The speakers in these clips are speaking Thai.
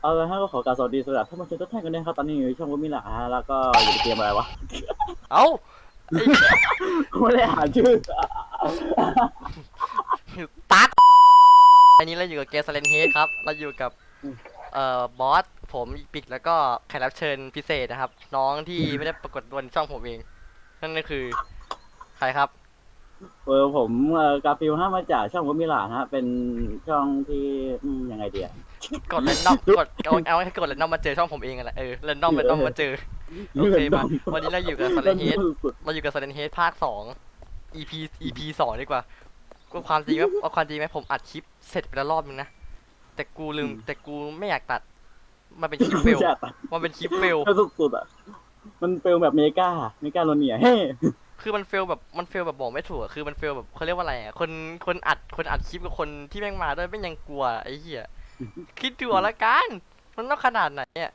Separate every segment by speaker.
Speaker 1: เอาละฮะก็ขอกราบสวัสดีสำหรับท่านผู้ชมทุกท่านกันด้วยครับตอนนี้อยู่ในช่องวุ้มิละฮะแล้วก็อยู่ในเกมอะไรวะ
Speaker 2: เอ้าไอ้
Speaker 1: ไม่ได้อ่านชื่อ
Speaker 2: ตัดอันนี้เราอยู่กับเกสเลนเฮดครับเราอยู่กับบอสผมอีปิกแล้วก็แขกรับเชิญพิเศษนะครับน้องที่ไม่ได้ปรากฏบนช่องผมเองนั่นก็คือใครครับ
Speaker 1: ผมกาฟิลฮะมาจากช่องวุ้มิละฮะเป็นช่องที่ยังไงเดีย
Speaker 2: กดเรนดอมกดเอาให้กดเรนดอมมาเจอช่องผมเองกันแหละเรนดอมมาเจอโอเคมาวันนี้เราอยู่กับสเลนเฮดเราอยู่กับสเลนเฮดภาค2 EP 2ดีกว่าก็ความจริงว่าเอาความจริงไหมผมอัดคลิปเสร็จไปแล้วรอบนึงนะแต่กูลืมแต่กูไม่อยากตัดมันเป็นคลิปเฟลมันเป็นคลิปเฟล
Speaker 1: สุดๆอ่ะมันเฟลแบบเมกาโลเนียเฮ้
Speaker 2: คือมันเฟลแบบบอกไม่ถูกอะคือมันเฟลแบบเขาเรียกว่าอะไรอะคนอัดคลิปกับคนที่แม่งมาด้วยไม่งยังกลัวไอ้เหี้ยคิดดูเอาละกันมันต้องขนาดไหนอะ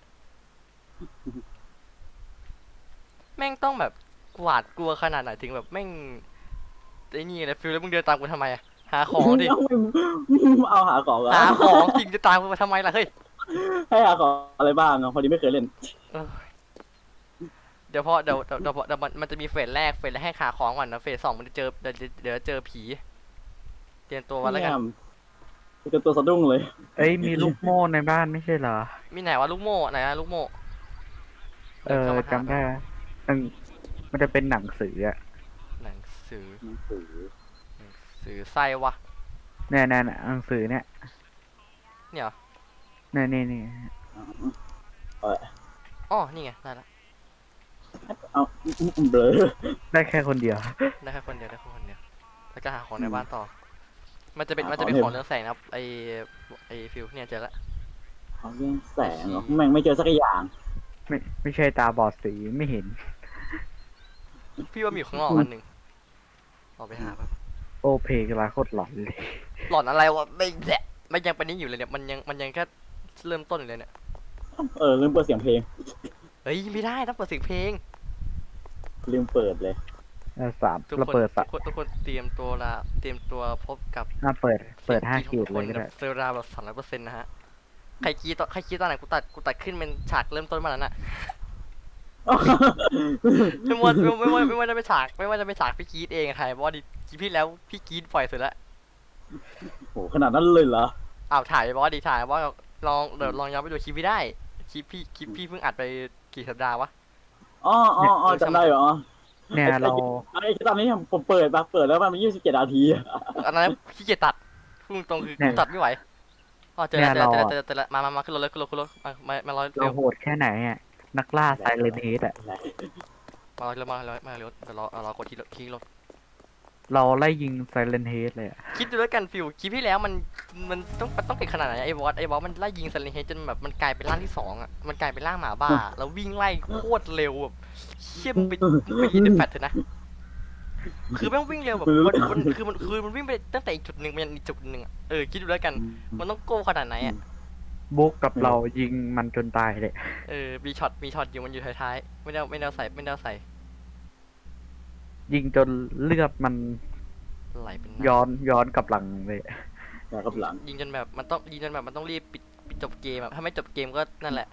Speaker 2: แม่งต้องแบบกวาดกลัวขนาดไหนถึงแบบแม่งไอ้นี่เลยฟิลแล้วมึงเดินตามกูทำไมอะหาของดิ
Speaker 1: เอาหาของเหรอ
Speaker 2: หาของจริงจะตามกูมาทำไมล่ะเฮ้ย
Speaker 1: ให้หาของอะไรบ้างอ่ะพอดีไม่เคยเล่น
Speaker 2: เออเดี๋ยวพอเดี๋ยวมันจะมีเฟสแรกให้หาของก่อนนะเฟส 2มันจะเจอเดี๋ยวเจอผีเตรียมตัวไว้แล้วกัน
Speaker 1: เป็นตัวสะดุ้งเลย
Speaker 3: เอ้ยมีลูกโม่ในบ้านไม่ใช่เหรอ
Speaker 2: มีไหนวะลูกโม่ไหนนะลูกโม่ดินข้ามาหา
Speaker 3: จำได้มันมันจะเป็นหนังสืออะ
Speaker 2: หนังสือ
Speaker 1: หนังสือ
Speaker 2: สื่อไส้วะ
Speaker 3: เนี่ยหนังสือเนี่ย
Speaker 2: เนี่ยเหรอ
Speaker 3: นี่
Speaker 2: อ๋อนี่ไงได้ละ
Speaker 1: เอาเบลอ
Speaker 3: ได้แค่คนเดียว
Speaker 2: ได้แค่คนเดียวแล้วก็หาของในบ้านต่อ มันจะเป็น
Speaker 1: หา
Speaker 2: มัน
Speaker 1: ของ
Speaker 2: จะเป็น
Speaker 1: ใน
Speaker 2: ของเรืองแสงนะครับไอฟิวเนี่ยเจอละ
Speaker 1: เขาเรื่องแสงเหรอแม่งไม่เจอสักอย่าง
Speaker 3: ไม่ใช่ตาบอดสีไม่เห็น
Speaker 2: พี่ว่ามีอยู่ข้างนอกอันหนึ่งออกไปหาแป๊บ
Speaker 3: โอเพลงลาโคตรหลอนเลย
Speaker 2: หลอนอะไรวะไม่แหละมันยังเป็นนี้อยู่เลยเนี่ยมันยังแค่เริ่มต้นอยู่เลยเนี่ย
Speaker 1: ลืมเปิดเสียงเพลง
Speaker 2: เฮ้ยไม่ได้ต้องเปิดเสียงเพลง
Speaker 1: ลืมเปิดเลย
Speaker 3: สาม
Speaker 2: ทุก
Speaker 3: เรา
Speaker 2: คน
Speaker 3: เปิด
Speaker 2: ทุกคนเตรียมตัวพบกับ
Speaker 3: เปิดห้า
Speaker 2: สียง
Speaker 3: ขีด
Speaker 2: ของ
Speaker 3: เลยก็ได้
Speaker 2: เซอร์ราแบบ300%นะฮะใครคิดตอนไหนกูตัดขึ้นเป็นฉากเริ่มต้นมาแล้วน่ะ ไม่ว่าจะเป็นฉากพี่กรีดเองอะใครเพราะว่าคลิปที่แล้วพี่กรีดปล่อยเสร็จแล้ว
Speaker 1: โหขนาดนั้นเลยเหรอ
Speaker 2: อ้าวถ่ายบอสถ่ายว่าเดี๋ยวลองย้อนไปดูคลิปพี่ได้คลิปพี่เพิ่งอัดไปกี่สัปดาห์วะ
Speaker 1: อ๋อจำได้เหรอ
Speaker 3: เนี่ยเรา
Speaker 1: ไอ้ตอนนี้ผมเปิดแล้วมัน27 นาที
Speaker 2: อันนั้นขี้เกียจตัดพูดตรงคือกูตัดไม่ไหวอ๋อเจอแล้วมาขึ้นรถเลยขึ้นรถมารอ
Speaker 3: เราโหดแค่ไหนอ่ะนักล่าไซเลนเฮดอ่ะ
Speaker 2: มารถเดี๋ยวรอกดที่รถ
Speaker 3: เราไล่ยิงไซเลนเฮดเลยอะ
Speaker 2: คิดดูแล้วกันฟิวคลิปที่แล้วมันต้องเก่งขนาดไหนไอ้บอสมันไล่ยิงซันเลนเฮดจนแบบมันกลายเป็นร่างที่2อ่ะมันกลายเป็นร่างหมาบ้าแล้ววิ่งไล่โคตรเร็วแบบเชี่ยมไปยิงในแฟลชเถอะนะคือแม่งวิ่งเร็วแบบมันวิ่งไปตั้งแต่อีกจุดหนึ่งไปยังอีกจุดหนึ่งอ่ะคิดดูแล้วกันมันต้องโก้ขนาดไหนอ่ะ
Speaker 3: บุ๊กกับเรายิงมันจนตายเลย
Speaker 2: มีช็อตอยู่มันอยู่ท้ายๆไม่ได้ใส่
Speaker 3: ยิงจนเลือดมัน
Speaker 2: ไหลเป็น
Speaker 3: ย้อนกลับหลังเลย
Speaker 1: แล้วก็หลัง
Speaker 2: ยิงจนแบบมันต้องรีบปิดจบเกมอ่ะถ้าไม่จบเกมก็นั่นแหละ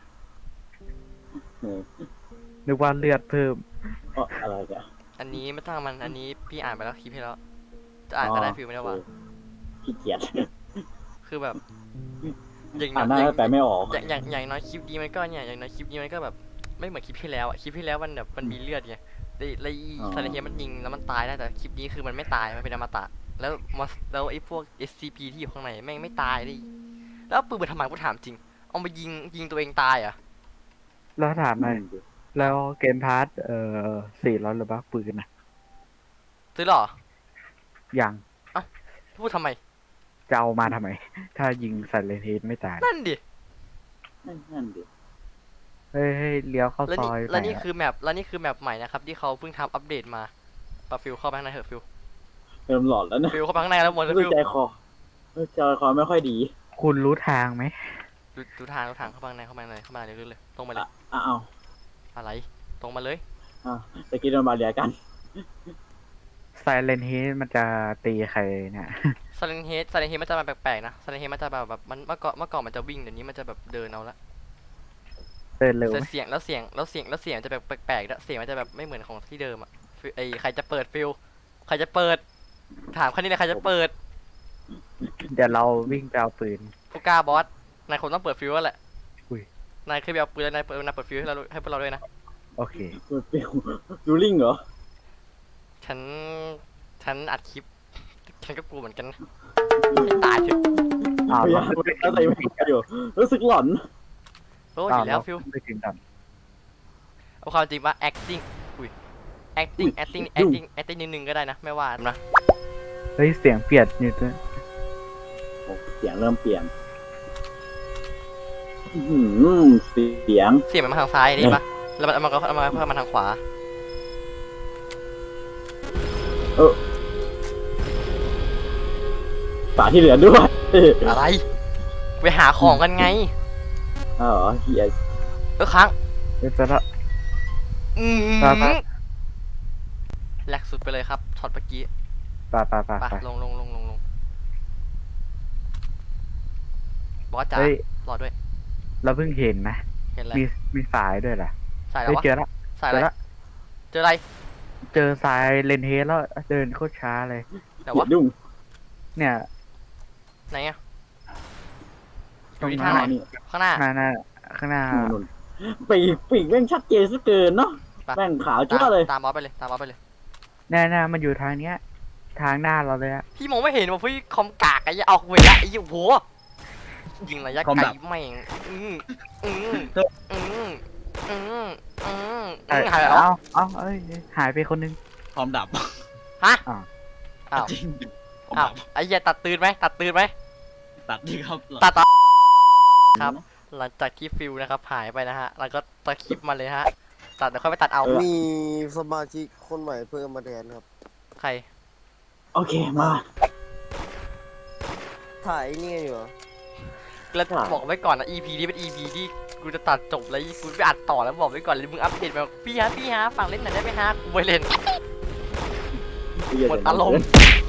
Speaker 3: นึกว่าเลือดเพิ่ม
Speaker 1: อะไรกัน
Speaker 2: อันนี้ไม่ต้องมันอันนี้พี่อ่านไปแล้วคลิปให้แล้วจะอ่านก็ได้ฟิลไม่ได้ว่า
Speaker 1: ขี้เกียจ
Speaker 2: คือแบบอย่าง
Speaker 1: อ่านได้แต่ไม่ออก
Speaker 2: อย่างน้อยคลิปนี้มันก็เนี่ยอย่างน้อยคลิปนี้มันก็แบบไม่เหมือนคลิปที่แล้วอ่ะคลิปที่แล้วมันแบบมันมีเลือดไงแล้วซาเลเฮียมันยิงแล้วมันตายได้แต่คลิปนี้คือมันไม่ตายมันเป็นอมตะแล้วไอ้พวก SCP ที่อยู่ข้างในแม่งไม่ตายดิแล้วปืนมาทำไมกูถามจริงเอามายิงตัวเองตายอ่ะ
Speaker 3: แล้วถามหน่อยแล้วเกมพาร์ท400หรือบ้าปืนนะ
Speaker 2: ซื้อหรอ
Speaker 3: ยัง
Speaker 2: พูดทำไม
Speaker 3: จะเอามาทำไม ถ้ายิงไซเลนเฮดไม่ตาย
Speaker 2: นั่นดิ
Speaker 1: นั่นดิ
Speaker 3: เฮ้ยเลี้ยวเข้า
Speaker 2: แล้ว
Speaker 3: ซ
Speaker 2: นี่
Speaker 3: อย
Speaker 2: แล้ว
Speaker 3: ไป
Speaker 2: นี่
Speaker 3: อะ
Speaker 2: คือแมปใหม่นะครับที่เขาเพิ่งทำอัปเดตมาปะฟิลเข้าไปข้างในเถอะฟิล
Speaker 1: เริ่มหลอนแล้วนะ
Speaker 2: ฟิลเข้าไปข้างในแล้วหมดแล้ว
Speaker 1: รู้
Speaker 2: ฟิล
Speaker 1: ใจคอไม่ค่อยดี
Speaker 3: คุณรู้ทางไหม
Speaker 2: ดูทางเข้าไปข้างในเข้ามาเลยตรงมาเลย
Speaker 1: อ้าว
Speaker 2: อะไรตรงมาเลย
Speaker 1: ตะกี้โดนบาเรียกัน
Speaker 3: เลนเฮดมันจะตีใครเนี่ย
Speaker 2: ซาเลนเฮดมันจะมาแปลกๆนะซาเลนเฮดมันจะแบบมันเมื่อก่อนมันจะวิ่งเดี๋ยวนี้มันจะแบบเดินเอาละ
Speaker 3: เดินเร็วไห
Speaker 2: แต่
Speaker 3: ม
Speaker 2: เสียงจะแบบแปลกๆแล้วเสียงมันจะแบบไม่เหมือนของที่เดิมอ่ะฟิลใครจะเปิดฟิลใครจะเปิดถามแค่นี้เลยใครจะเปิด
Speaker 3: เดี๋ยวเราวิ่งไปเอาปืน
Speaker 2: ผู้กล้าบอสนายคงต้องเปิดฟิลแล้วแหละ
Speaker 3: อุ้ย
Speaker 2: นายเคยไปเอาปืนแล้วนายเปิดฟิลให้เราให้พวกเราด้วยนะ
Speaker 3: โอเค
Speaker 1: เปิดฟิวดูลิงเหรอ
Speaker 2: ฉันอัดคลิปฉันก็กลัวเหมือนกันนะให้ตายเถอะ
Speaker 3: อ้าว
Speaker 1: พยายามแล้วแต่ไม่อยู่รู้สึกหลอน
Speaker 2: โอ้ยอยู่แล้วฟิล
Speaker 3: ไม่ถึงดัน
Speaker 2: เอาความจริงว่า acting อุ้ย acting นิดนึงก็ได้นะไม่ว่านะ
Speaker 3: เฮ้ยเสียงเปลี่ยนอยู่ด้วย
Speaker 1: โอ้เสียงเริ่มเปลี่ยนเสียง
Speaker 2: เสียงมันมาทางซ้ายนี่ปะแล้วมันก็มาทางขวา
Speaker 1: ฝาที่เหลือด้วย
Speaker 2: อะไรไปหาของกันไง
Speaker 1: อ๋อเฮีย
Speaker 2: ค้าง
Speaker 3: เดี๋ยวจะละ
Speaker 2: อืม
Speaker 3: ไป
Speaker 2: แหลกสุดไปเลยครับช็อตเมื่อกี้
Speaker 3: ไป
Speaker 2: ไปลงบอสจ๋า
Speaker 3: เฮ้ย
Speaker 2: รอด้วย
Speaker 3: เราเพิ่งเห็นนะ
Speaker 2: เห็นอะไร
Speaker 3: มีสายด้วยเหรอ
Speaker 2: สายอะไร
Speaker 3: เฮ้ยว
Speaker 2: ะ
Speaker 3: เจอละ
Speaker 2: สาย
Speaker 3: เจ
Speaker 2: อะไร
Speaker 3: อละ
Speaker 2: เจออะไร
Speaker 3: เจอสายเลนเฮดแล้วเดินโคตรช้าเลย
Speaker 2: แต่ว่า
Speaker 1: ดุ้ง
Speaker 3: เนี่ย
Speaker 2: ไหนอะอ
Speaker 3: ตรง
Speaker 2: ยู่ที่
Speaker 3: ห
Speaker 2: ทา
Speaker 3: น้าง
Speaker 2: ไหนข้างหน้า
Speaker 3: ข้างหน้า
Speaker 1: นุ่นปีกแม่งชัดเจนซะเกินเนาะ
Speaker 2: ไป
Speaker 1: แม่งขาวจ้าเลย
Speaker 2: ตามบอสไปเลยตามบอสไปเลย
Speaker 3: แน่ๆมันอยู่ทางเนี้ย ทางหน้าเราเลยอะ
Speaker 2: พี่มองไม่เห็นว่าพี่คอมกากไอ้ยี่ออกเวลาไอ้ยี่โหยิงระยะไกลแม่งหายไปแล้ว
Speaker 3: เอ้ยหายไปคนนึง
Speaker 4: พร้อมดับ
Speaker 2: ฮะ
Speaker 3: อ้าว
Speaker 2: อ้าว
Speaker 4: จริงพร้อม
Speaker 2: อ้าว
Speaker 4: ดับ
Speaker 2: ไอ้เหี้ยตัดตื่นไหม
Speaker 4: ตัดดีครับ
Speaker 2: ตัดครับ หลังจากที่ฟิลนะครับหายไปนะฮะ แล้วก็ตัดคลิปมาเลยฮะ ตัดเดี๋ยวค่อยไปตัดเอา
Speaker 5: มีสมาชิกคนใหม่เพิ่มมาแทนครับ
Speaker 2: ใคร
Speaker 1: โอเคมา
Speaker 5: ถ่ายนี่อยู่เหรอ
Speaker 2: แล้ว
Speaker 1: ค่ะ
Speaker 2: บอกไว้ก่อนนะ EP นี้เป็น EP ที่กูจะตัดจบแล้วกูไปอัดต่อแล้วบอกไว้ก่อนเลยมึงอัปเดตมาพี่ฮะฝากเล่นหน่อยได้ไหมฮะกูไปเล่นหมดอารมณ์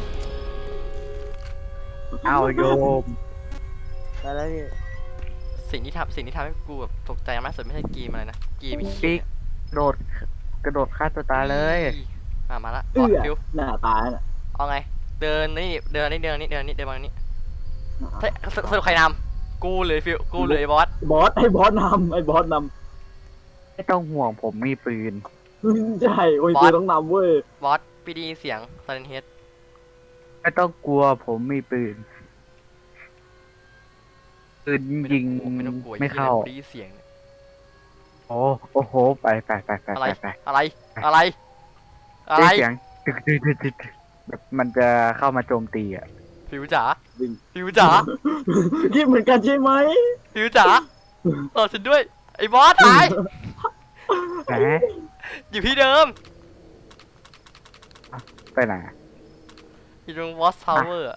Speaker 3: เอาโยม
Speaker 5: ไปแล้วพี่
Speaker 2: สิ่งที่ทำให้กูแบบตกใจมากสุดไม่ใช่เกมอะไรนะเกม
Speaker 3: ปิ๊กกระโดดฆ่าตัวตายเลย
Speaker 2: มาละ
Speaker 1: เอื้อ
Speaker 2: ฟิว
Speaker 1: หน้าตาน่ะ
Speaker 2: เอาไง เดินมานี่เดินมานี่เฮ้ยสรุปใครนำกูเลยฟิวกูเลยบอส
Speaker 1: บอสให้บอสนำให้บอสน
Speaker 3: ไม่ต้องห่วงผมมีปืน
Speaker 1: ำใช่โอ้ยคือต้องนำเว้ย
Speaker 2: บอสพี่ดีเสียงไซเลนเฮด
Speaker 3: ไม่ต้องกลัวผมมีปืนยิง
Speaker 2: ไม่ต้องกลัว
Speaker 3: ไม่เข้า
Speaker 2: ดีเสียง
Speaker 3: โอ้โหไป
Speaker 2: อะไร
Speaker 3: ไป
Speaker 2: อะไร
Speaker 3: ได้เสียงตึกแบบมันจะเข้ามาโจมตีอ่ะ
Speaker 2: ฟิวจ๋า
Speaker 1: วิ่ง
Speaker 2: ฟิวจ๋า
Speaker 1: คิดเหมือนกันใช่ไหม
Speaker 2: ฟิวจ๋าต่อฉันด้วยไอ้บอสหาย
Speaker 3: แหม
Speaker 2: อยู่ที่เดิม
Speaker 3: ไปไหนอะ
Speaker 2: อยู่ตรงวอสทาวเวอร์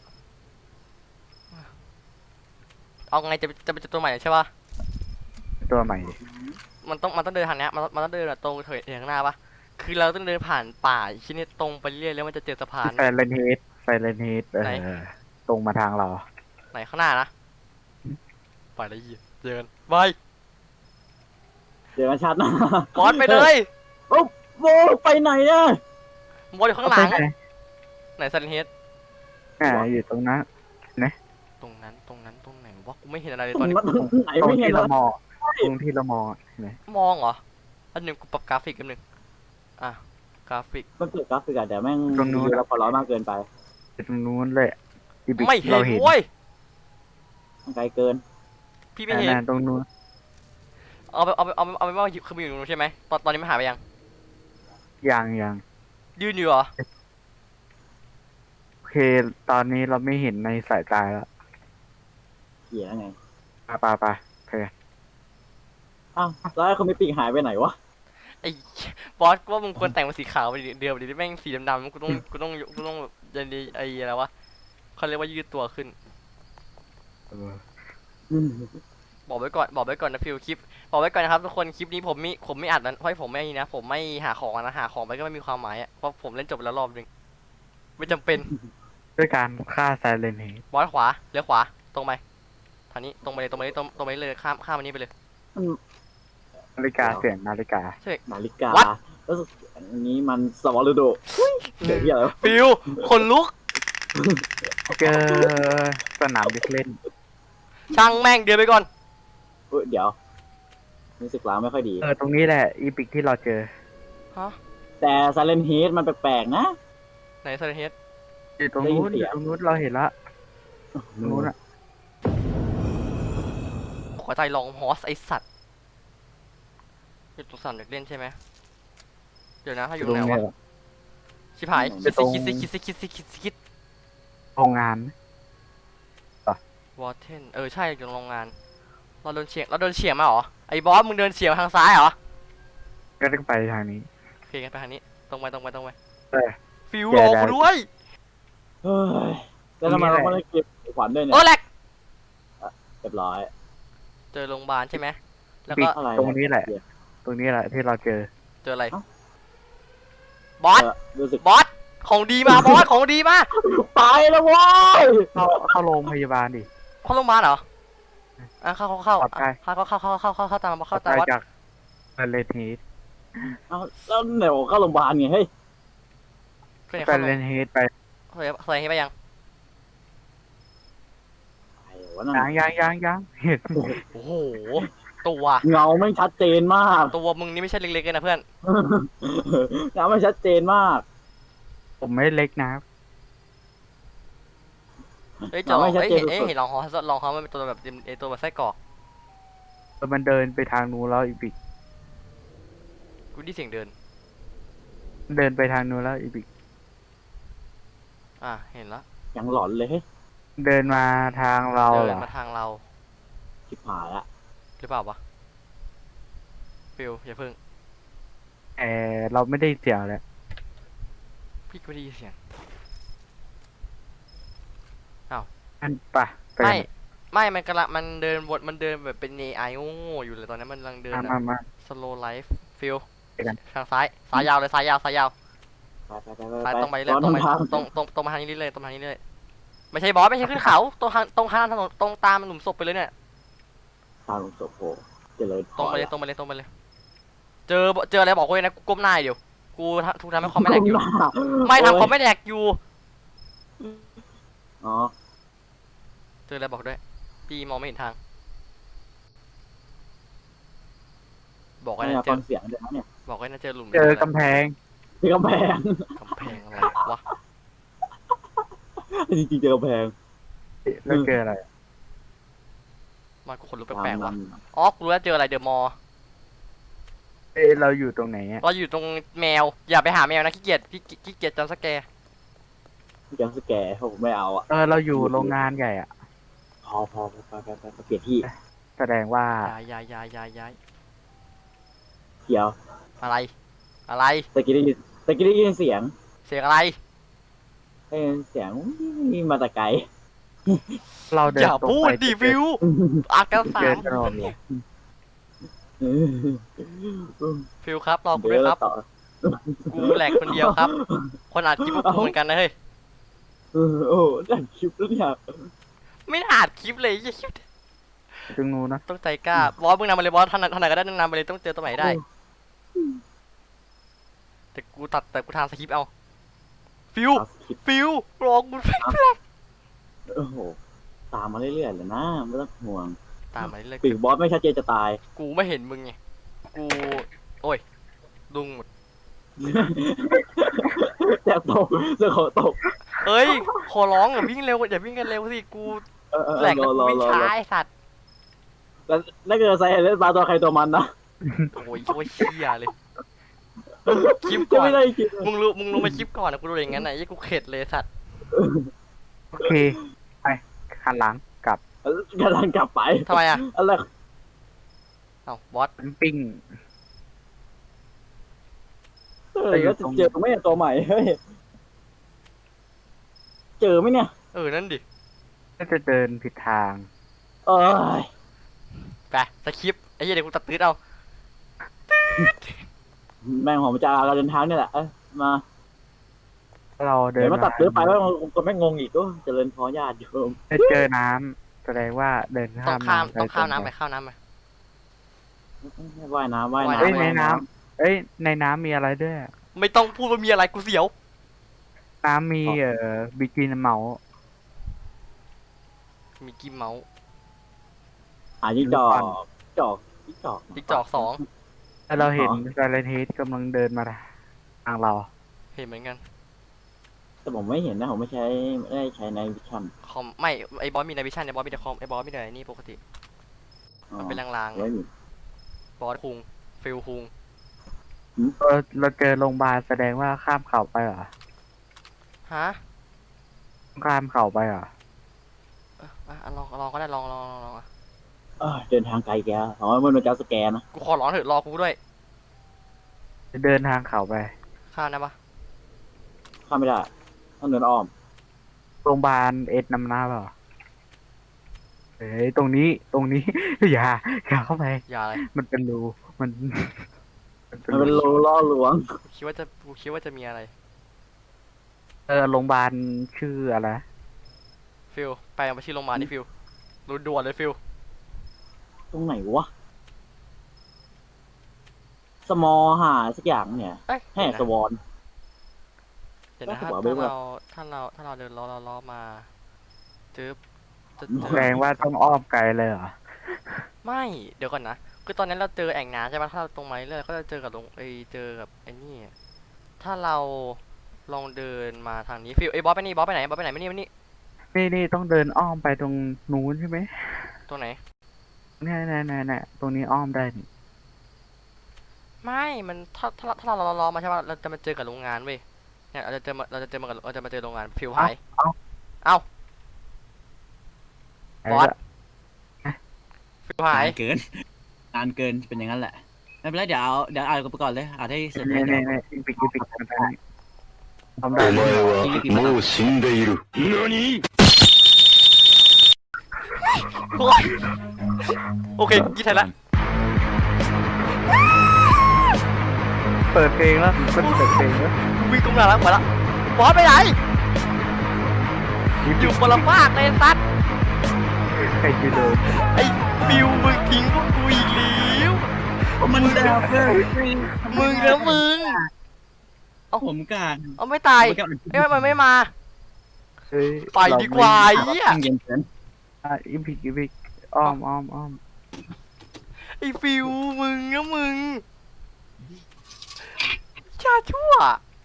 Speaker 2: เอาไงจะเป็นตัวใหม่ใช่ป่ะ
Speaker 3: ตัวใหม่
Speaker 2: มันต้องเดินทางเนี้ยมันต้องเดินแบบตรงเถิงข้างหน้าปะคือเราต้องเดินผ่านป่าชิ้นนี้ตรงไปเรื่อยแล้วมันจะเจอสะพาน
Speaker 3: ไซเลนเฮด
Speaker 2: ไหน
Speaker 3: ตรงมาทางเรา
Speaker 2: ไหนข้างหน้านะไปแล้วยี่เจอกันบาย
Speaker 1: เดี๋ยวกันชัดนะ
Speaker 2: บอสไปเลย
Speaker 1: โอ้โหไปไหนเนี่ย
Speaker 2: บอสอยู่ข้างหลัง
Speaker 3: ไปไ
Speaker 2: ไหนซันเฮด
Speaker 3: อยู่ตรงนั้น
Speaker 2: ตรงไหนวะกูไม่เห็นอะไรเลย
Speaker 1: ต
Speaker 2: ต
Speaker 1: ร
Speaker 2: อน
Speaker 1: ง
Speaker 2: นี้
Speaker 1: นั้นไหน
Speaker 3: ตรง
Speaker 1: ไม่เห็น
Speaker 3: ที่
Speaker 1: แล้
Speaker 3: เรา
Speaker 1: ว
Speaker 3: มองตรงที่เรามองอะเห็นไหม
Speaker 2: มองเหรออันหนึ่งกูปรับกราฟิกกันหนึ่งอ่ะกราฟิก
Speaker 1: มันเกิดกราฟิกอะแต่แม่งดูแล้วพอร้อนมากเกินไป
Speaker 3: ตรงนู้นเลยที่บิ๊ก
Speaker 2: ไม่เห็น
Speaker 3: เราเห็น
Speaker 2: เว้ย
Speaker 1: มันไกลเกิน
Speaker 2: พี่ไม่เห็น
Speaker 3: ตรงนู้น
Speaker 2: เอาไปว่าคือมันอยู่ตรงนู้นใช่ไหมตอนนี้มันหายไปยัง
Speaker 3: ยัง
Speaker 2: ยืนอยู่เหรอ
Speaker 3: โอเค ตอนนี้เราไม่เห็นในสายตาแล้ว
Speaker 1: เขียไง
Speaker 3: ไปโอเค
Speaker 1: อ้าวแล้วเขาไม่ปีกหายไปไหนวะ
Speaker 2: ไอ้บอสกูว่ามึงควรแต่งเป็นสีขาวไปดิเดียวดิแม่งสีดำๆกูต้องแบบยันดีไอ้อะไรวะเขาเรียกว่ายืดตัวขึ้น บอกไว้ก่อนนะฟิวคลิปบอกไว้ก่อนนะครับทุกคนคลิปนี้ผมไม่อัดนะเพราะผมไม่นี่นะผมไม่หาของนะหาของไปก็ไม่มีความหมายอ่ะเพราะผมเล่นจบไปแล้วรอบนึงไม่จำเป็น
Speaker 3: ด้วยการฆ่าไซเลนเฮด
Speaker 2: บอสขวาเลี้ยวขวาตรงไปทางนี้ตรงไปเลยตรงไปเลยตรงไปเลยข้ามอันนี้ไปเลย
Speaker 3: นาฬิกาเสียงนาฬิกา
Speaker 1: นาฬิกา
Speaker 2: What?
Speaker 1: แล้วอันนี้มันสวอลโดเดี๋ยวที่อะไรวะ
Speaker 2: ฟิวคนลุก
Speaker 3: เจอสนามเด็กเล่น
Speaker 2: ช่างแม่งเดินไปก่อน
Speaker 1: เดี๋ยวรู้สึกล้างไม่ค่อยดี
Speaker 3: ตรงนี้แหละอีพิกที่เราเจอ
Speaker 2: ฮะ
Speaker 1: แต่ซาเลนเฮดมันแปลกๆนะ
Speaker 2: ไหนเซอร์เฮด
Speaker 3: อยู่ตรงนู้น
Speaker 1: ได้ยินเสี
Speaker 3: อย
Speaker 1: ง
Speaker 3: ยู่ตรงนู้นเราเห็นละตรงนู้นอะ
Speaker 2: ขอใจลองฮอสไอสัตว์อยู่ตรงสนามเด็กเล่นใช่ไหมเดี๋ยวนะถ้าอยู่
Speaker 3: ตรง
Speaker 2: ไหน
Speaker 3: นี้
Speaker 2: วะชิบหาย
Speaker 3: อยู่ตรง
Speaker 2: คิด
Speaker 3: โรงงาน
Speaker 2: วอเทนใช่อยู่โรงงานเราโดนเฉียงมาเหรอไอ้บอสมึงเดินเฉียงทางซ้ายเหรอ
Speaker 3: ก็ต้องไปทางนี้
Speaker 2: โอเคกันไปทางนี้ตรงไป
Speaker 3: เออ
Speaker 2: ฟิว
Speaker 3: แก
Speaker 2: รอ
Speaker 3: ได้
Speaker 2: กูด้วย
Speaker 1: เฮ้ยแล้วทำไมเราไม่ได้เก็บขวัญด้วยเนี่ย
Speaker 2: แหลก
Speaker 1: เรียบร้อย
Speaker 2: เจอโรงพยาบาลใช่ไหมแล้ว
Speaker 3: ปิ
Speaker 2: ก็
Speaker 3: ด
Speaker 1: อะไร
Speaker 3: ตรงนี้แหละ ตรงนี้แหละที่เราเจอ
Speaker 2: เจออะไร
Speaker 1: เอ้า
Speaker 2: บอส
Speaker 1: รู้สึก
Speaker 2: บอสของดีมาบอสของดีมา
Speaker 1: ไปแล้วเว้ย
Speaker 3: เข้าโรงพยาบาลดิ
Speaker 2: เข้าโรงพยาบาลเหรอเข้า
Speaker 3: ปลอดภัย
Speaker 2: เข้าตาม
Speaker 3: ไป
Speaker 2: บอส
Speaker 3: จากไซเลนเฮด
Speaker 1: เอาแล้วไหนบอกเข้าโรงพยาบาลไงเฮ้ย
Speaker 2: ก็เนี่ย
Speaker 3: ไซ
Speaker 2: เข้า
Speaker 3: เลนเฮดไป
Speaker 2: ใส่ให้ไปยัง
Speaker 1: ไอ้วะนั่น
Speaker 3: ยังเห็น
Speaker 2: โอ้โหตัว
Speaker 1: เงาไม่ชัดเจนมาก
Speaker 2: ตัวมึงนี่ไม่ใช่เล็กๆเลยนะเพื่อน
Speaker 1: เงาไม่ชัดเจนมาก
Speaker 3: ผมไม่เล็กนะครับ
Speaker 2: เฮ้ยจะลอง
Speaker 1: ไม่ชัดเจน
Speaker 2: เห็นลองฮอมันเป็นตัวแบบตัวแบบไส้กรอก
Speaker 3: มันเดินไปทางนู้นแล้วอีพิก
Speaker 2: กูได้เสียงเดิน
Speaker 3: เดินไปทางนู้นแล้วอีพิก
Speaker 2: เห็นแล้ว
Speaker 1: ยังหลอนเลยเฮ้ย
Speaker 3: เดินมาทางเรา
Speaker 2: เดิ
Speaker 3: เหร
Speaker 2: น
Speaker 3: อ
Speaker 2: มาทางเรา
Speaker 1: ชิบหายละ
Speaker 2: หรือเปล่าวะฟิวอย่าเพิ่ง
Speaker 3: เราไม่ได้เสียงเลย
Speaker 2: พี่ก็ได้ยินเสียง
Speaker 3: อันปะไป
Speaker 2: ไม่มันเดินวนมันเดินแบบเป็น AI โง่ๆอยู่เลยตอนนั้นมันกำลังเดิน
Speaker 3: มา
Speaker 2: slow life ฟิล
Speaker 3: ไปกัน
Speaker 2: ทางซ้ายยาวเลยซ้ายยาว
Speaker 1: ไป
Speaker 2: ซ้ายตรงไปเรื่อย
Speaker 1: ต
Speaker 2: ตรงไป
Speaker 1: ทาง
Speaker 2: ตรงมาทางนี้เรื่อยตรงมาทางนี้เรื่อยไม่ใช่บอสไม่ใช่ขึ้นเขาตรงทางถนนตรงตามหลุมศพไปเลยเนี่ย
Speaker 1: ทางหลวงศพโหเจริญพ
Speaker 2: ตรงไปเลยเจออะไรบอกกูเลยนะกูก้มหน้าเดี๋ยวกูทุกทำให้คอมไม่แหลกอยู่ ไม่ทำคอมไม่แหลกอยู่
Speaker 1: อ๋อ
Speaker 2: เจออะไรบอกด้วยพี่มองไม่เห็นทาง บอกไว้
Speaker 1: ไม่
Speaker 2: นะ
Speaker 1: อยาก
Speaker 2: เจ
Speaker 1: ฟั
Speaker 2: อง
Speaker 1: เสียงเดี๋ยวนะเนี่ย
Speaker 2: บอกไว้นะเจอหลุม
Speaker 3: เจอกำแพง
Speaker 1: ที่กำแพง
Speaker 2: กำแพงอะไรวะ
Speaker 1: จริงๆเจอกำแพง
Speaker 3: แล้วเจออะไร
Speaker 2: มากูขนลุกแปลกๆวะอ๋อกูรู้แล้วเจออะไรเดอะมอล
Speaker 3: เราอยู่ตรงไหนอ่ะ
Speaker 2: เราอยู่ตรงแมวอย่าไปหาแมวนะขี้เกียจจำสแกร์
Speaker 1: จำสแกร์ผมไม่เอาอ่ะ
Speaker 3: เราอยู่โรงงานใหญ่อ่ะ
Speaker 1: พอไปเปลี่ยนที่
Speaker 3: แสดงว่า
Speaker 2: ย้าย
Speaker 1: เดี๋ยว
Speaker 2: อะไร
Speaker 1: ตะกี้ได้ยินเสียง
Speaker 2: เสียงอะไร
Speaker 1: ได้ยินเสียงนี่มาแต่ไกล
Speaker 3: เราเดิ
Speaker 2: อน ย่า
Speaker 3: ตรง
Speaker 2: พู
Speaker 3: ไป
Speaker 2: ดดิฟิวอากาศ
Speaker 3: เจอถนนเลย
Speaker 2: ฟิวครับรอกูด้วยครับ
Speaker 1: ต่อ
Speaker 2: กูแหลกคนเดียวครับ คนอัดคลิปพวกกูเหมือนกันนะเฮ้ย
Speaker 1: โอ้ดันคลิปแล้วเนี่ย
Speaker 2: ไม่ได้อัดคลิปเลยอย่าคลิป
Speaker 3: ตรงนู้นนะ
Speaker 2: ต้องใจกล้าบอสมึงนำมาเลยบอสท่านไหนก็ได้นำมาเลยต้องเจอตัวไหนได้ แต่กูทำสคริปต์เอาฟิว
Speaker 1: เอาคลิป
Speaker 2: ฟิวรอกู
Speaker 1: โอ้โหตามมาเรื่อยๆเลยนะไม่ต้องห่วง
Speaker 2: ตามมาเลย
Speaker 1: ปีกบอสไม่ชัดเจนจะตาย
Speaker 2: กูไม่เห็นมึงไงกูโอ้ยดุงหมด
Speaker 1: แต่ตกเรื่องของตก
Speaker 2: เฮ้ยขอร้องอย่าวิ่งเร็วอย่าวิ่งกันเร็วสิกูแหลกแล้วกูวิ่งช้าไอ้สัตว์
Speaker 1: แล้วถ้าเกิดใส่เล่นปลาตัวใครตัวมันนะ
Speaker 2: โอ้ยเชี่ยเลยคลิป
Speaker 1: จะ
Speaker 2: ก่อน
Speaker 1: ไม่ได้คิด
Speaker 2: มึงรู้มาคลิปก่อนนะกูดูอย่างงั้นไหนยี่กูเข็ดเลยสัตว์
Speaker 3: โอเคไปหันหลังกลับ
Speaker 1: กำลังกลับไป
Speaker 2: ทำไมอ่ะ
Speaker 1: อะไร
Speaker 2: เอ้าบอส
Speaker 3: ปิ้ง
Speaker 1: แล้วจะเจอไหมตัวใหม่เฮ้ยเจอไหมเนี่ย
Speaker 2: นั่นดิ
Speaker 3: ก็จะเดินผิดทาง
Speaker 1: เอ้ย
Speaker 2: ไปสคริปต์ไอ้เหี้ยเดี๋ยวกูตัดตืดเอา
Speaker 1: แม่งผมจะเราเดินทางนี่แหละมา
Speaker 3: เราเดิ
Speaker 1: เดี๋ย
Speaker 3: น
Speaker 1: วมาตัดซื้อไปแล้วก็ไม่งงอีกก็เจริญพรญาติโยม
Speaker 3: ไปเจอน้ำแสดงว่าเดิน
Speaker 2: ต้อ
Speaker 3: ข้าง ม
Speaker 2: ข้าม
Speaker 3: น้ำ
Speaker 2: ต้องข้าม
Speaker 3: ตร
Speaker 2: น้ำ
Speaker 3: ง
Speaker 2: ไปข้ามน้ำไป
Speaker 1: ว่ายน้ำว่าย
Speaker 3: เอ้ย
Speaker 1: น้ำ
Speaker 3: ในน้ำเอ้ยในน้ำมีอะไรด้วย
Speaker 2: ไม่ต้องพูดว่ามีอะไรกูเสียว
Speaker 3: น้ำมีบิกินเมาส์
Speaker 2: มีกิมเมาส์
Speaker 1: จิ้งจอกจอกจิ้งจอก
Speaker 2: ติ๊กจอก2
Speaker 3: แล้วเราเห็นไซเลนเฮดกำลังเดินมาทางเรา
Speaker 2: เห็นเหมือนกัน
Speaker 1: แต่ผมไม่เห็นนะผมไม่ได้ใช้ในวิชั่น
Speaker 2: คอมไม่ไอ้บอสมีในวิชั่นไอ้บอสมีแต่คอมไอ้บอสมีแต่นี่ปกติมันเป็นลางๆไง
Speaker 1: ไม่มี
Speaker 2: บอสคุงฟิลคุง
Speaker 3: เราเจอโรงพยาบาลแสดงว่าข้ามเขาไปเหรอ
Speaker 2: ฮะ
Speaker 3: ข้ามเขาไปเหรอ
Speaker 2: ลองก็ได้ลองอ่ะ
Speaker 1: เดินทางไกลแกเพราะว่ามันเป็นการสแกนนะ
Speaker 2: กูขอร้องเถอะรอกูด้วย
Speaker 3: จะเดินทางเขาไป
Speaker 2: ข้ามได้ปะ
Speaker 1: ข้ามไม่ได้ต้องเดินอ้อม
Speaker 3: โรงพยาบาลเอ็ดนำหน้าเปล่าเฮ้ยตรงนี้ อย่าเข้าไป
Speaker 2: อย่าเลย
Speaker 3: มันเป็นรูมัน
Speaker 1: มันเป็นรูล่อลวง
Speaker 2: กูคิดว่าจะมีอะไร
Speaker 3: โรงพยาบาลชื่ออะไร
Speaker 2: ฟิลไปเอามาที่โรงพยาบาลนี่ฟิลด่วนๆเลยฟิล
Speaker 1: ตรงไหนวะสมอหาสักอย่างเนี่ย
Speaker 2: เอ้ย
Speaker 1: แห่สวอน
Speaker 2: เดี๋ยวนะ
Speaker 1: ก็
Speaker 2: ถ้า
Speaker 1: หัวเบิ่มอะ
Speaker 2: เราเดินล้อมาจึ๊บจะ
Speaker 3: แสดงว่าต้องอ้อมไกลเลยเหรอ
Speaker 2: ไม่เดี๋ยวก่อนนะคือตอนนั้นเราเจอแอ่งน้ำใช่ปะถ้าเราตรงมาเรื่อยๆก็จะเจอกับเจอกับไอ้นี่ถ้าเราลองเดินมาทางนี้ฟิลบอสไปนี่บอสไปไหนไม่นี่
Speaker 3: นี่ต้องเดินอ้อมไปตรงนู้นใช่ไหม
Speaker 2: ตรงไหน
Speaker 3: เนี่ยตรงนี้อ้อมได้นี่
Speaker 2: ไม่มันถ้าเราล้อมาใช่ปะเราจะมาเจอกับโรงงานเว้ยเนี่ยเราจะเจอมาเจอโรงงานฟิลหายเอ้า บอส ฟิลหาย
Speaker 4: นานเกินนานเกินเป็นอย่างนั้นแหละไม่เป็นไรเดี๋ยวอ่านกันไปก่อนเลยอ่านให้เสร็จเล
Speaker 3: เนี่ย
Speaker 4: ย
Speaker 3: อีปิกมันได้ทำได้
Speaker 6: お前はもう死んでいる。何
Speaker 2: โอ๊ยโอเคยี่ไทยละ
Speaker 3: เปิดเพลงแล้วมันเปิดเพลงแล้ว
Speaker 2: วิ่งตรงหน้าแล้วมาละบอสไปไหนอยู่คนละฟากเลยซัด
Speaker 3: ใครจะโดน
Speaker 2: ไอ้ฟิวมึงทิ้งพวกกูอีกแล้ว
Speaker 4: มันดาวเกิน
Speaker 2: มึงนะมึง
Speaker 4: ผมการ
Speaker 2: เอาไม่ตายเอ้ยมันไม่มา
Speaker 3: เฮ้ย
Speaker 2: ไปดีกว่าไอ้เหี้ย
Speaker 4: เย็นเกิน
Speaker 3: อีพิกอ้อม
Speaker 2: ไอ้ฟิวมึงนะมึงชาชั่ว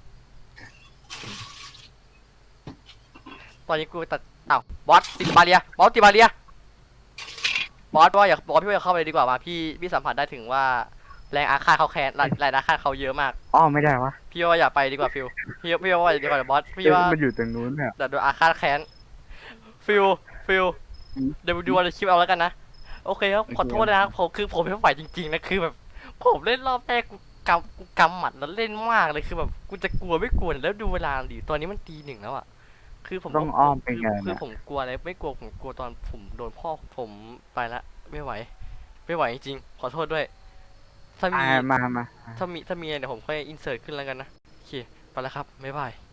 Speaker 2: ตอนนี้กูตัดอ้าวบอสติดบาเรียบอสติดบาเรียบอสว่าพี่ว่าอย่าเข้าไปเลยดีกว่ามาพี่สัมผัสได้ถึงว่าแรงอาฆาตเขาแค้นแรงอาฆาตเขาเยอะมาก
Speaker 3: อ้อมไม่ได้วะ
Speaker 2: พี่ว่าอย่าไปดีกว่าฟิวพี่ว่าอย่าดีกว่าบอสพี่ว่า
Speaker 3: มันอยู่ตรงนู้นเนี่ย
Speaker 2: แต่โดนอาฆาตแค้นฟิลเดี๋ยวดูวันคลิปเอาแล้วกันนะโอเคครับขอโทษนะครับผมไม่ไหวจริงๆนะคือแบบผมเล่นรอบแรกกูกำหมัดแล้วเล่นมากเลยคือแบบกูจะกลัวไม่กลัวแล้วดูเวลาดิตอนนี้มันตี 1แล้วอ่ะคือผม
Speaker 3: ต้องอ้อมไปไง
Speaker 2: คือ
Speaker 3: นะ
Speaker 2: ผมกลัวอะไรไม่กลัวผมกลัวตอนผมโดนพ่อผมไปละไม่ไหวจริงๆขอโทษด้วย ถ้ามี
Speaker 3: มา
Speaker 2: ถ้ามีอะไรเดี๋ยวผมค่อยอินเสิร์ตขึ้นแล้วกันนะโอเคไปแล้วครับบ๊ายบาย